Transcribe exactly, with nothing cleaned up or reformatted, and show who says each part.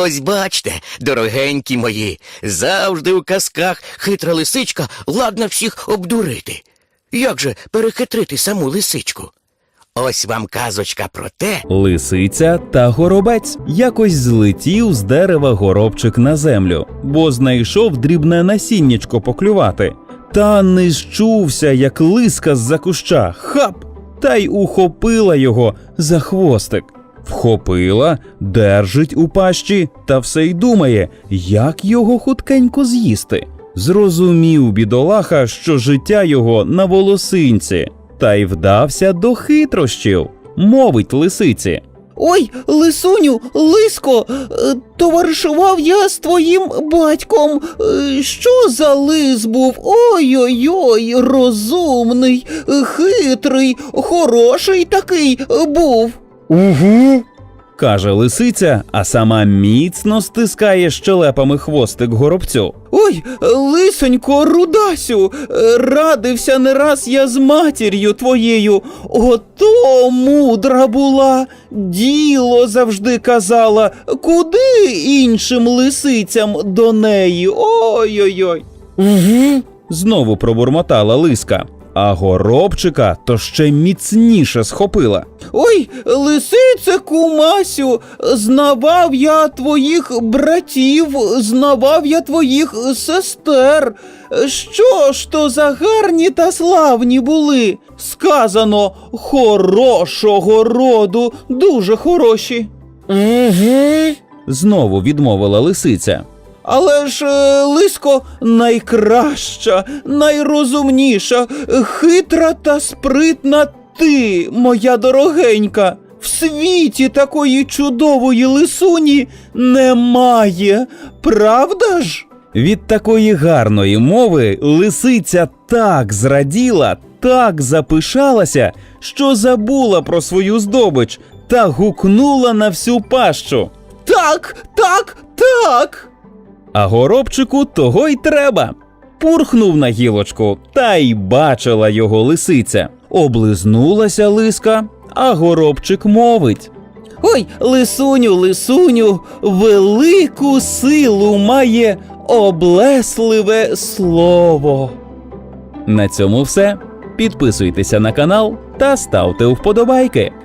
Speaker 1: Ось бачте, дорогенькі мої, завжди у казках хитра лисичка ладна всіх обдурити. Як же перехитрити саму лисичку? Ось вам казочка про те...
Speaker 2: Лисиця та горобець. Якось злетів з дерева горобчик на землю, бо знайшов дрібне насіннячко поклювати. Та не зчувся, як лиска з-за куща. Хап! Та й ухопила його за хвостик. Вхопила, держить у пащі та все й думає, як його хуткенько з'їсти. Зрозумів бідолаха, що життя його на волосинці, та й вдався до хитрощів. Мовить лисиці:
Speaker 3: «Ой, лисуню, лиско, товаришував я з твоїм батьком. Що за лис був? Ой-ой-ой, розумний, хитрий, хороший такий був».
Speaker 2: «Угу», – каже лисиця, а сама міцно стискає щелепами хвостик горобцю.
Speaker 3: «Ой, лисонько, рудасю, радився не раз я з матір'ю твоєю, ото мудра була, діло завжди казала, куди іншим лисицям до неї, ой-ой-ой».
Speaker 2: «Угу», – знову пробурмотала лиска, а горобчика то ще міцніше схопила.
Speaker 3: «Ой, лисице кумасю, знавав я твоїх братів, знавав я твоїх сестер. Що ж то за гарні та славні були? Сказано, хорошого роду, дуже хороші».
Speaker 2: «Угу», – знову відмовила лисиця.
Speaker 3: «Але ж, лиско, найкраща, найрозумніша, хитра та спритна ти, моя дорогенька. В світі такої чудової лисуні немає, правда ж?»
Speaker 2: Від такої гарної мови лисиця так зраділа, так запишалася, що забула про свою здобич та гукнула на всю пащу:
Speaker 3: «Так, так, так!»
Speaker 2: А горобчику того й треба. Пурхнув на гілочку, та й бачила його лисиця. Облизнулася лиска, а горобчик мовить:
Speaker 3: «Ой, лисуню, лисуню, велику силу має облесливе слово».
Speaker 2: На цьому все. Підписуйтеся на канал та ставте вподобайки.